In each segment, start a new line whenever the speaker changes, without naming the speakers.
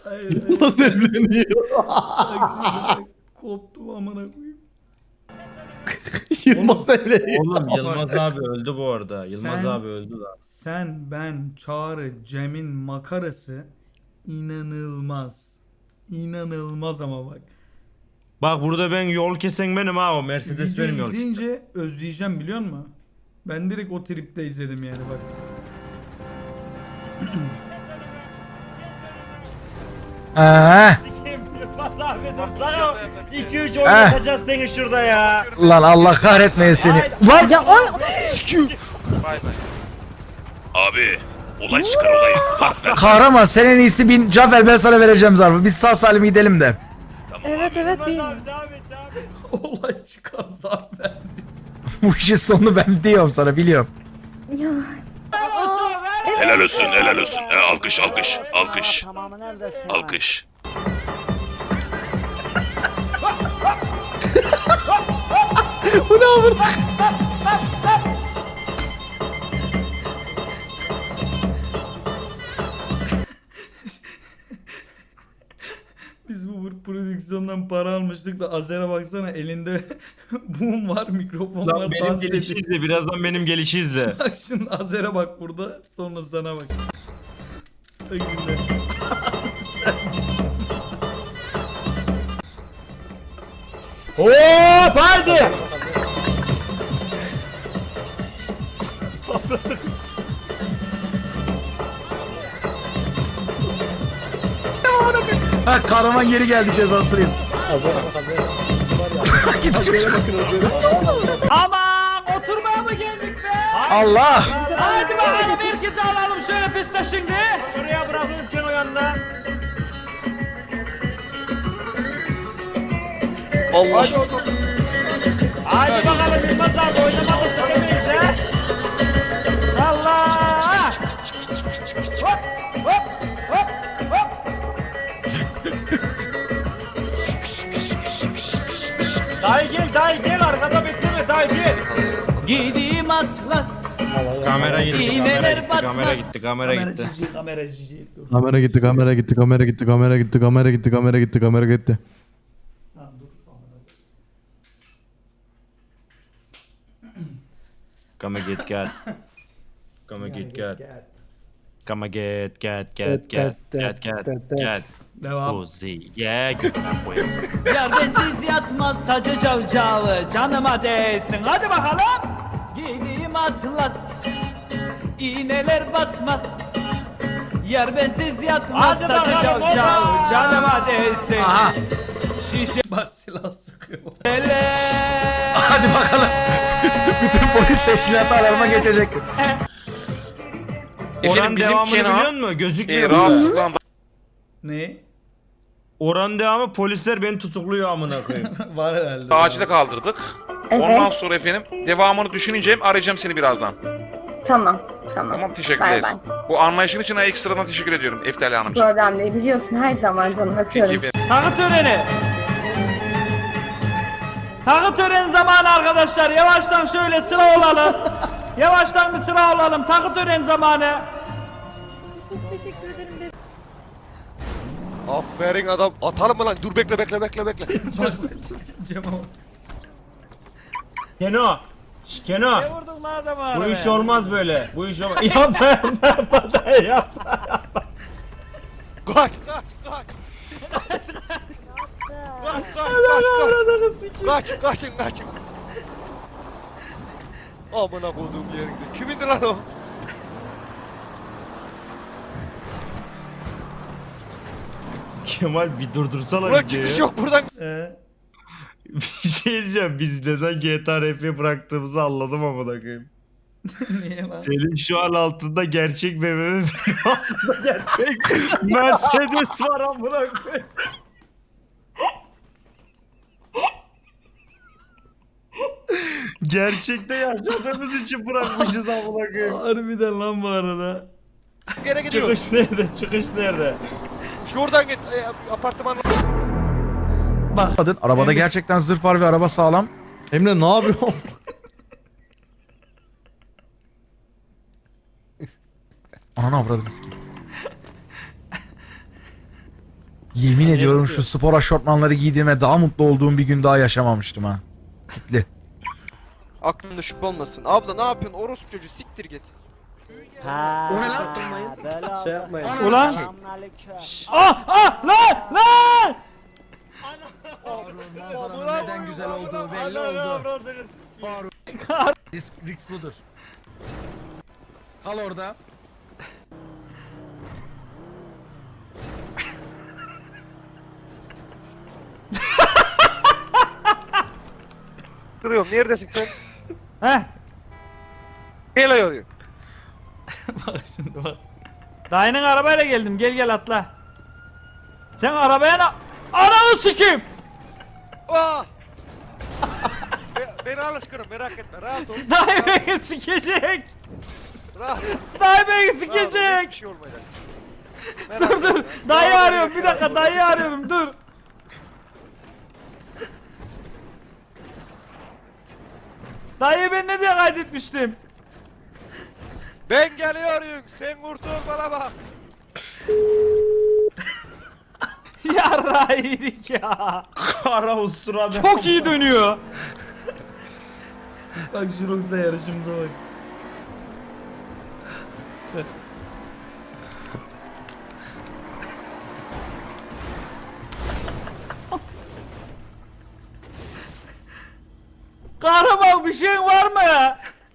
Hayır,
Yılmaz evleniyor.
Bak şimdi bak. Koptum amına koyayım.
Yılmaz evleniyor.
Oğlum Yılmaz abi öldü bu arada. Yılmaz
Sen-
abi öldü lan.
Sen, ben, Çağrı, Cem'in makarası inanılmaz. İnanılmaz ama bak.
Bak burada ben yol kesen benim ha, o Mercedes
Video
benim yol.
izleyince özleyeceğim biliyor musun? Ben direkt o tripte izledim yani bak.
Yılmaz abi dur lan. 2-3 oynatacağız seni şurada ya.
Lan Allah kahretmeye seni. Lan
Ya o
Bay bay. Abi olay çıkar olay. Zarf ver.
kahraman sen en iyisi bin can ver ben sana vereceğim zarfı. Biz sağ salim gidelim de.
evet evet bir.
Devam et, devam et.
Olay çıkar zaten.
Bu işin sonunu ben diyorum sana biliyorum.
Ya.
Helal olsun helal olsun. Alkış alkış alkış. Alkış.
Biz bu prodüksiyondan para almıştık da Azer'e baksana elinde boom var, mikrofon var,
Lan benim
dans
gelişi
ediyor.
izle, birazdan benim gelişi izle.
Bak şimdi Azer'e bak burada, sonra sana bak. Bak şimdi.
Hop haydi.
Ha kahraman geri geldi cezasını. Git şu
Aman oturmaya mı geldik be?
Allah.
Hadi bakalım herkesi alalım şöyle piste şimdi. Şuraya bırakırken o yanına.
Allah.
Hadi bakalım Yılmaz abi oynamak istemeyiz ha. Allah! Hop hop hop hop. Dayı gel arkada bekleme dayı gel.
Gideyim Atlas.
Kamera gitti,
İğneler batmaz.
kamera gitti.
Kamera cici. Dur.
Kamera gitti, kamera gitti, kamera gitti, kamera gitti, kamera gitti, kamera gitti, kamera gitti.
Tamam, dur.
Come get get. Come get get.
Gel.
Come get get.
Devam.
Pussy. Yeah, get that way.
Yerdensiz yatmaz sacı cavcavı canıma değsin. Hadi bakalım. Gideyim Atlas. İğneler batmaz. Yer bensiz yatmaz
Hadi
sacı
bakalım,
cavcavı
hoppa.
canıma değsin.
Aha.
Şişe bas silah sıkıyor.
Hadi bakalım. Bütün polis teşkilatı alarma geçecek.
Oran devamını biliyor
Kenan
musun? Gözükmüyor.
rahatsızlandı.
Ne?
Oran devamı polisler beni tutukluyor amına koyayım.
Var herhalde.
Acile kaldırdık.
Evet.
Ondan sonra efendim devamını düşüneceğim. Arayacağım seni birazdan.
Tamam. Tamam.
Tamam teşekkür
Bay
ederiz.
bay.
Bu anlayışın için ekstradan teşekkür ediyorum Eftali Hanımcığım.
Problem değil. Biliyorsun her zaman canım öpüyorum.
Peki,
Takı töreni. Takı töreni zamanı arkadaşlar. Yavaştan şöyle sıra olalım. Yavaştan bir sıra olalım. Takı töreni zamanı.
Çok teşekkür ederim.
Aferin adam. Atalım mı lan? Dur bekle.
Bak Cem ama.
Keno. Keno.
Vurdun lan adamı
Bu iş olmaz böyle. Bu iş olmaz. Yapma yapma.
Kaç. Kaçın. Amına koduğum yerinde. Kimindi lan o?
Kemal bir durdursana
Ulan
videoyu.
çıkış yok buradan.
Bir şey diyeceğim. Biz ne zaman GTA RP'ye bıraktığımızı anladım amına koyayım.
Niye lan?
Senin şu an altında gerçek BMW, benim altında gerçek Mercedes var amına koyayım. Gerçekte yaşadığımız için bırakmışız amına koyayım.
Harbiden lan bu arada.
Gene gidiyor.
Çıkış nerede? Çıkış nerede?
Şuradan git. Apartman.
Arabada gerçekten zırh var ve araba sağlam.
Emre ne yapıyorsun?
Ananı avradınız ki. Yemin ediyorum şu spor aşortmanları giydiğime daha mutlu olduğum bir gün daha yaşamamıştım ha. Kitli.
Aklında şüphe olmasın. Abla ne yapıyorsun? Orospu çocuğu siktir git.
O ne lan?
Şey yapmayın.
Ulan! Lan! Manzaranın neden güzel olduğu belli oldu. Risk budur. Kal orada.
Kırıyorum. Neredesin sen?
Heh.
Gel ayıyor.
Bak şimdi bak.
Dayının arabayla geldim. Gel atla. Sen arabaya Ananı sikeyim.
Ah! Beni alışkırım merak etme. Rahat ol.
Dayı beni sikecek.
Rahat ol.
Dayı beni
Rahat ol.
sikecek.
Hiçbir şey olmayacak.
Dur. Dayı arıyorum. Bir dakika dayı arıyorum. Dur. Dayı ben ne diye kaydetmiştim?
Ben geliyorum. Sen kurtul bana bak.
Yarra yedik ya.
Kara ustura be.
Çok iyi dönüyor.
Bak Jurox'la yarışımıza bak.
Kahraman bir şeyin var mı?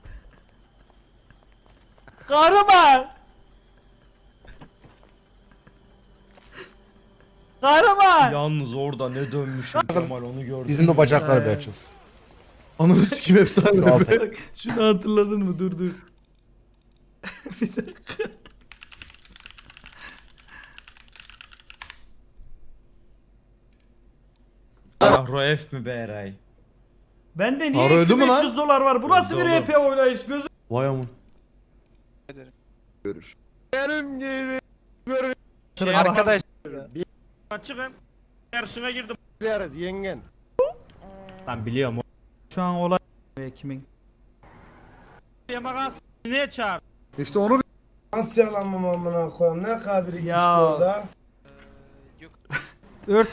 Kahraman. Kahraman.
Yalnız orada ne dönmüşüm Kemal onu gördüm.
Bizim de bacaklar bir açılsın.
Ananı sikim efsane.
Şu altı.
Bak şunu hatırladın mı? Dur. Bir dakika.
Ahro F mi be Eray?
Bende niye
Para öldü mü lan?
500 dolar var? Bu nasıl bir
Öldü oğlum.
RP oynayış? Gözüm.
Vay aman.
Arkadaş.
Açıkım. Yarışına girdim.
Ben biliyorum. Şu an olay kimin?
Yamagas. Niye çağır?
İşte onu nasıl yalanmam amına koyayım ne kabiri
Ya.
işte orada.
Ört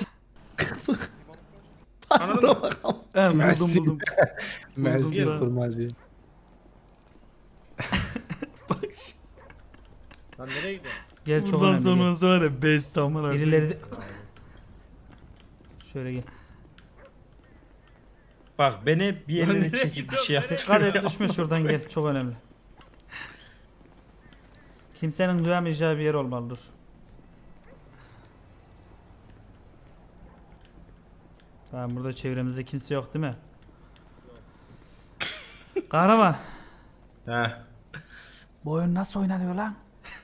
Anladın mı?
He
Merci.
buldum.
Merci
lan.
kurmacı.
Bak şimdi.
Lan nereye gidiyorsun?
gel çok
Buradan
önemli.
sonrası var ya best amına koyayım.
Birileri de... Şöyle gel.
Bak beni bir yerine çekip bir şey yapmış.
Dikkat et düşme şuradan gel çok önemli. Kimsenin duyamayacağı bir yer olmalı dur. Tamam burada çevremizde kimse yok değil mi? Kahraman.
Heh.
Bu oyun nasıl oynanıyor lan?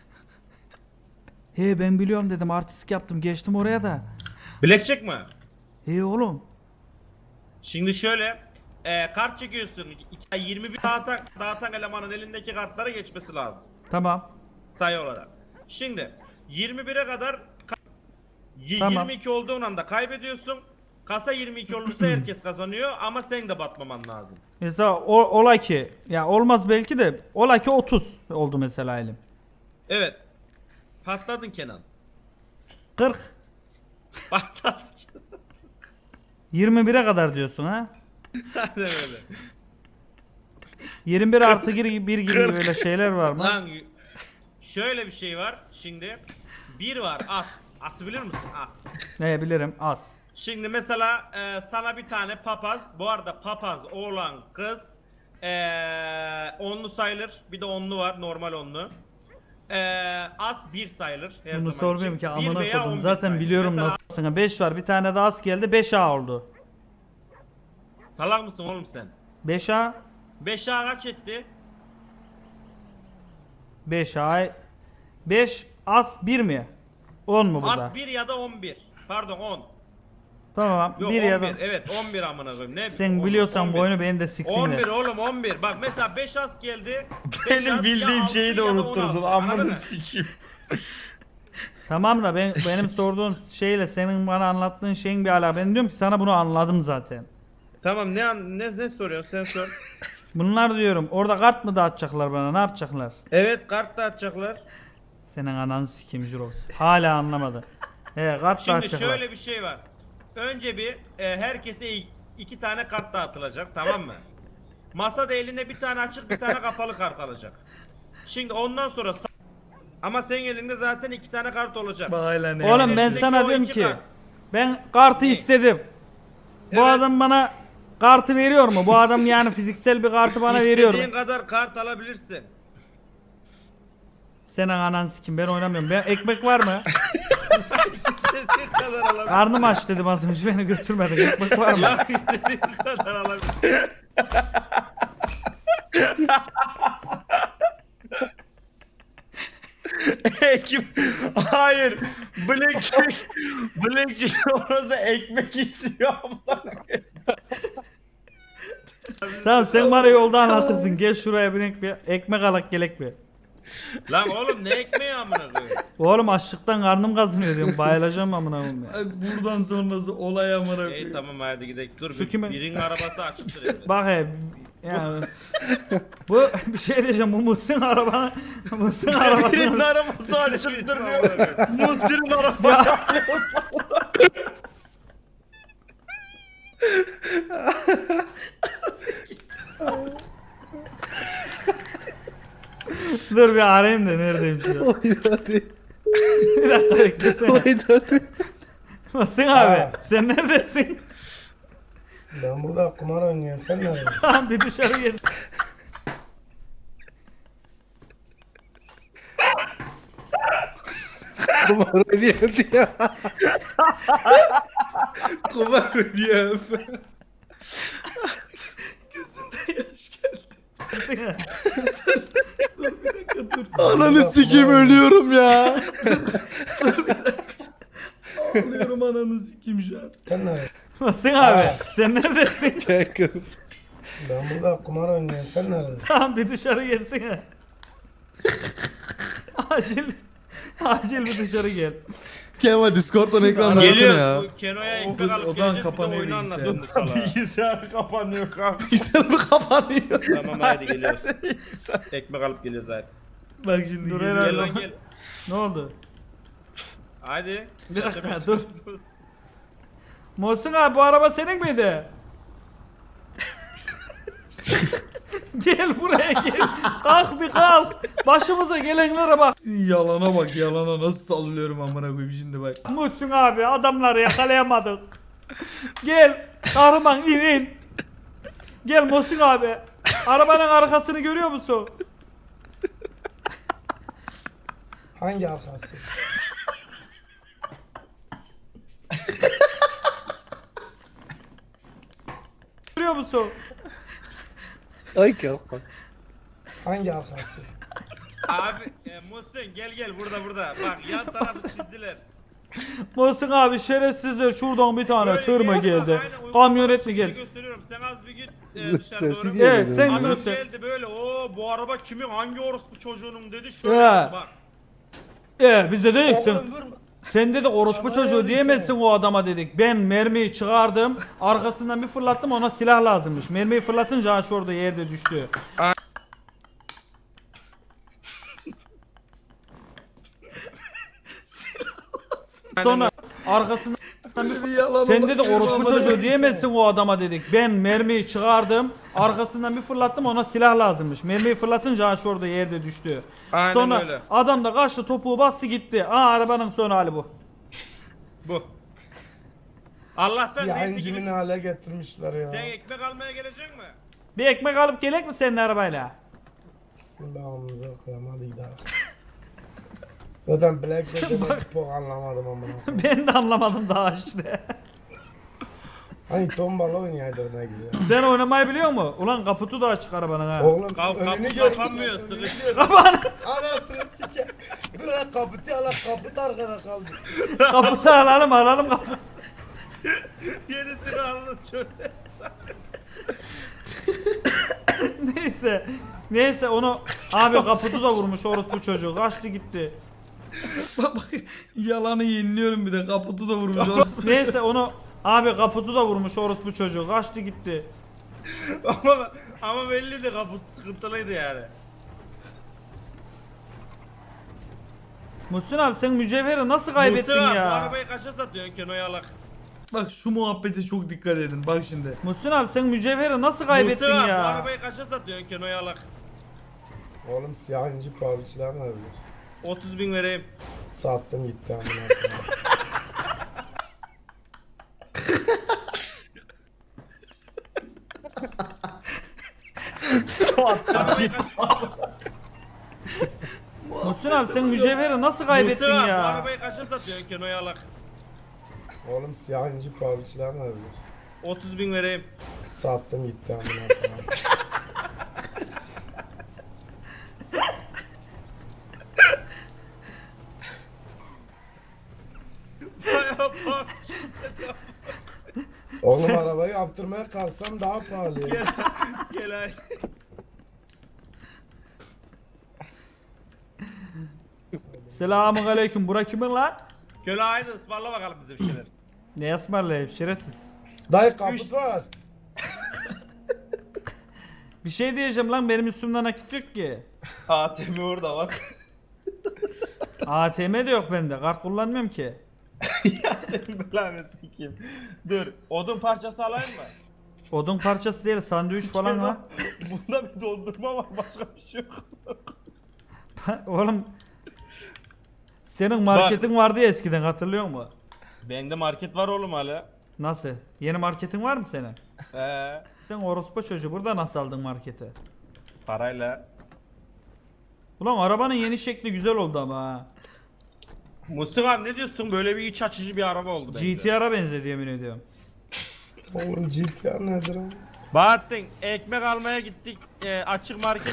He ben biliyorum dedim artistik yaptım geçtim oraya da.
Blackjack mi?
He oğlum.
Şimdi şöyle kart çekiyorsun. 21 dağıtan elemanın elindeki kartlara geçmesi lazım.
Tamam.
Sayı olarak. Şimdi 21'e kadar
Tamam.
22 olduğun anda kaybediyorsun. Kasa 22 olursa herkes kazanıyor ama sen de batmaman lazım.
Mesela ola ki ya olmaz belki de ola ki 30 oldu mesela elim.
Evet. Patladın Kenan.
40
Patladın.
21'e kadar diyorsun ha?
Aynen öyle.
21 artı 1 gibi böyle şeyler var mı?
Lan şöyle bir şey var. Şimdi bir var as. As'ı bilir misin? As.
Ne bilirim az.
Şimdi mesela sana bir tane papaz. Bu arada papaz oğlan kız onlu sayılır. Bir de onlu var normal onlu. As bir sayılır. Her
Bunu
zaman
sormuyorum
için.
ki
Bir
amına
veya
koydum.
11
Zaten
sayılır.
biliyorum
Mesela
nasılsın. 5 var bir tane daha az geldi 5A oldu.
salak mısın oğlum sen?
5A
5A kaç etti?
5A 5 az 1 mi? 10 mu burada?
As 1 ya da 11. Pardon 10.
Tamam
Yok
1
11.
ya da
Evet 11 amına koyayım. Ne?
sen
10,
biliyorsan
11.
bu oyunu beni de
11
siksinler.
oğlum 11. Bak mesela 5 as geldi.
Benim bildiğim şeyi de unutturdun. Amına
sikeyim.
Tamam da benim sorduğum şeyle senin bana anlattığın şeyin bir alakası. Ben diyorum ki sana bunu anladım zaten.
Tamam ne soruyorsun sen sor.
Bunlar diyorum orada kart mı dağıtacaklar bana ne yapacaklar?
Evet kart dağıtacaklar.
Senin ananı sikeyim Jurox. Hala anlamadı. He kart
Şimdi
dağıtacaklar.
şöyle bir şey var. Önce bir herkese 2 tane kart dağıtılacak, tamam mı? Masada elinde bir tane açık bir tane kapalı kart alacak. Şimdi ondan sonra ama senin elinde zaten 2 tane kart olacak.
Bak hala ne
Oğlum ben
Elindeki
sana
o
diyorum
iki
ki
kart.
ben kartı
Ne?
istedim. Bu
Evet.
adam bana kartı veriyor mu? Bu adam yani fiziksel bir kartı bana veriyor mu?
İstediğin kadar kart alabilirsin.
Senin anan sikim ben oynamıyorum. Ben ekmek var mı?
İstediğin kadar alabilirsin.
Karnım aç dedim az önce beni götürmedin. Ekmek var mı?
Ya istediğin kadar alabilirsin.
Kim? Hayır. Blackjack orada ekmek istiyor ama.
Tamam sen bana yolda anlatırsın. Gel şuraya bir ekmek alak gelek bir.
Lan oğlum ne ekmeği amına koyayım?
Oğlum açlıktan karnım kazmıyor diyorum. Bayılacağım amına koyayım ya.
Ay, buradan sonrası olay amına
İyi
koyayım.
tamam hadi gidelim. Dur
Şu kime-
birinin arabası açıktır evde.
Bak he. Yani bu bir şey diyeceğim. Bu Muhsin arabanın Muhsin arabasının
arabası açıktır diyor. Muhsin'in arabası.
Dur bir arayayım da neredeyim şu an. Bir dakika beklesene. Muhsin abi sen neredesin?
Ben burada kumar oynuyorum. Sen neredesin?
Tamam bir dışarı gel.
Kumar ediyor diyor.
Kumar ödüyor. Gözümde yaş geldi. Dur bir dakika dur.
Ananı sikeyim ölüyorum ya.
Ağlıyorum ananı sikeyim şu an.
Sen neredesin?
Muhsin abi sen neredesin?
Ben burada kumar oynuyorum. Sen neredesin?
Tamam bir dışarı gelsene. Acil bir dışarı gel.
Kemal Discord'dan ekran versene
Geliyor.
ya.
Bu Keno'ya
O-
ekmek
o
alıp
zaman
geleceğiz, bir de
kapanıyor
oyunu
bilgisayar.
anlatın bu salağa.
Bilgisayar kapanıyor kanka.
Bilgisayarım kapanıyor.
Tamam hadi geliyoruz. Ekmek alıp geliyoruz hadi.
Bak şimdi
Dur
geliyor.
herhalde.
Gel lan gel.
Ne oldu?
Hadi.
Bir dakika dur. Muhsin abi bu araba senin miydi? Gel buraya gel. Kalk bir kalk. Başımıza gelenlere bak.
Yalana bak yalana nasıl sallıyorum amına koyayım şimdi bak.
Muhsin abi adamları yakalayamadık. Gel. Kahraman in. Gel Muhsin abi. Arabanın arkasını görüyor musun?
Hangi arkası?
Görüyor musun?
Hangi arkası?
Abi Muhsin gel burada. Bak yan tarafı çizdiler.
Muhsin abi şerefsizler şuradan bir tane
Böyle
tır mı
gel, bak,
geldi?
aynen
Kamyonet mi
şimdi
geldi?
gösteriyorum. Sen az bir git dışarı doğru.
Evet sen
Adam
göster.
geldi böyle bu araba kimin hangi orospu çocuğunun dedi şöyle
He.
yaptı bak.
Biz de dedik sen.
Oğlum vurma.
Sen dedik orospu
Bana
çocuğu
öyle
diyemezsin o adama dedik. Ben mermiyi çıkardım. Arkasından bir fırlattım ona silah lazımmış. Mermiyi fırlatınca ağaç orada yerde düştü. Sonra arkasından
Bir yalana
sen
bak,
dedik orospu
amına
çocuğu
koyayım.
diyemezsin o adama dedik. Ben mermiyi çıkardım. Arkasından bir fırlattım ona silah lazımmış. Mermiyi fırlatınca ağaç orada yerde düştü.
Aynen
Sonra
öyle.
adam da kaçtı topuğu bastı gitti. Arabanın son hali bu.
Bu. Allah'tan neyse
Yancımın
ki
hale getirmişler ya.
sen ekmek almaya gelecek mi?
Bir ekmek alıp gelek mi senin arabayla?
Şimdi ağzımıza koyalım hadi gidelim. Zaten Black Jack'ı çok anlamadım amına.
Ben de anlamadım daha işte.
Hani tombala oynayaydı ne güzel.
Sen oynamayı biliyor musun? Ulan kaputu da açık arabanın ha.
Oğlum
Kapı
önünü gör.
kapanmıyor sıkıştı.
Kapan.
Anasını sike. Dur lan kaputu ala kaput arkada kaldı.
Kaputu alalım kaput.
Yenisini alın şöyle.
Neyse onu abi kaputu da vurmuş orospu çocuğu. Kaçtı gitti.
Bak bak yalanı yeniliyorum bir de kaputu da vurmuş.
Neyse onu abi kaputu da vurmuş orospu çocuğu. Kaçtı gitti.
ama belliydi kaput sıkıntılıydı yani.
Muhsin abi sen mücevheri nasıl kaybettin
Muhsin abi,
ya?
bu arabayı kaça satıyorsun Kenoyalak?
Bak şu muhabbete çok dikkat edin. Bak şimdi.
Muhsin abi sen mücevheri nasıl kaybettin
Muhsin abi, bu
ya?
arabayı kaça satıyorsun Kenoyalak?
Oğlum siyah inci pahalı işlemezdir.
30.000 vereyim.
Sattım gitti amına koyayım.
Arabayı kaç-
Muhsin abi sen mücevheri nasıl kaybettin
Muhsin abi, bu
ya?
arabayı kaça satıyorsun Kenoyalak?
Oğlum siyah inci pahalı işlemezdir.
30.000 vereyim.
Sattım gitti amına koyayım. Oğlum arabayı yaptırmaya kalksam daha pahalı.
Gel, gel ay.
Selamun aleyküm. Bura kimin lan?
Köle aynı ısmarla bakalım bize bir şeyler.
Ne ısmarlayıp şerefsiz.
Dayı kaput var.
Bir şey diyeceğim lan benim üstümden nakit yok ki.
ATM orada bak.
ATM de yok bende. Kart kullanmıyorum ki.
Senin belanı sikeyim. Dur, odun parçası alayım mı?
Odun parçası değil sandviç falan var.
Bunda bir dondurma var, başka bir şey yok.
Oğlum senin marketin vardı ya eskiden hatırlıyor musun?
Bende market var oğlum hala.
Nasıl? Yeni marketin var mı senin?
Ee,
Sen orospu çocuğu burada nasıl aldın marketi?
parayla.
Ulan arabanın yeni şekli güzel oldu ama ha.
Mustafa abi ne diyorsun? Böyle bir iç açıcı bir araba oldu bence.
GTR'a benzedi yemin ediyorum.
Oğlum GTR nedir o?
Bahattin, ekmek almaya gittik açık market.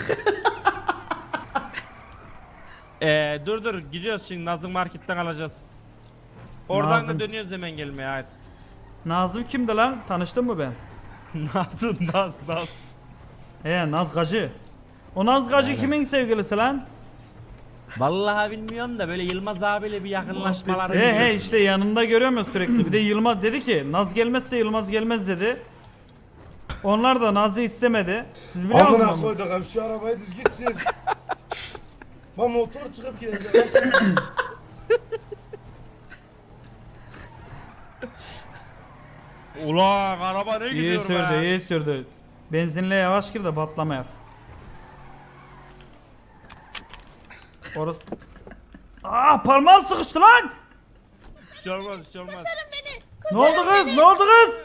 Dur gidiyoruz şimdi Nazım marketten alacağız. Oradan
Nazım.
da dönüyoruz hemen gelmeye ait.
Nazım kimdi lan? Tanıştın mı ben?
Naz.
He Naz Gacı. O Naz Gacı kimin sevgilisi lan?
Vallahi bilmiyorum da böyle Yılmaz abiyle bir yakınlaşmalar.
He işte yanında görüyorum ya sürekli. Bir de Yılmaz dedi ki Naz gelmezse Yılmaz gelmez dedi. Onlar da Naz'ı istemedi. Siz biliyor
Amına
musunuz?
koyduk abi şu arabayı düz gitsin. Ben motor çıkıp gideceğim.
Ulan araba ne
İyi
gidiyor
sürdü,
be?
iyi sürdü. Benzinle yavaş gir de patlamayak. Orası... Parmağım sıkıştı lan!
Hiç olmaz hiç olmaz.
Ne oldu kız? Ne oldu kız?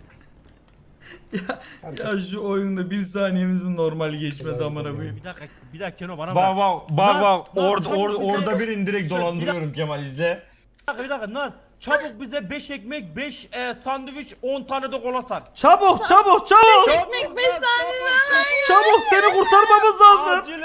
Ya şu oyunda bir saniyemiz mi normal geçmez amına koyayım.
Bir dakika Keno bana
Bak bak
Naz,
orada birini direkt dolandırıyorum Kemal izle.
Bir dakika Naz. Çabuk bize 5 ekmek, 5 sandviç, 10 tane de kola sat.
Çabuk!
Çabuk
Çabuk seni kurtarmamız lazım.
Acil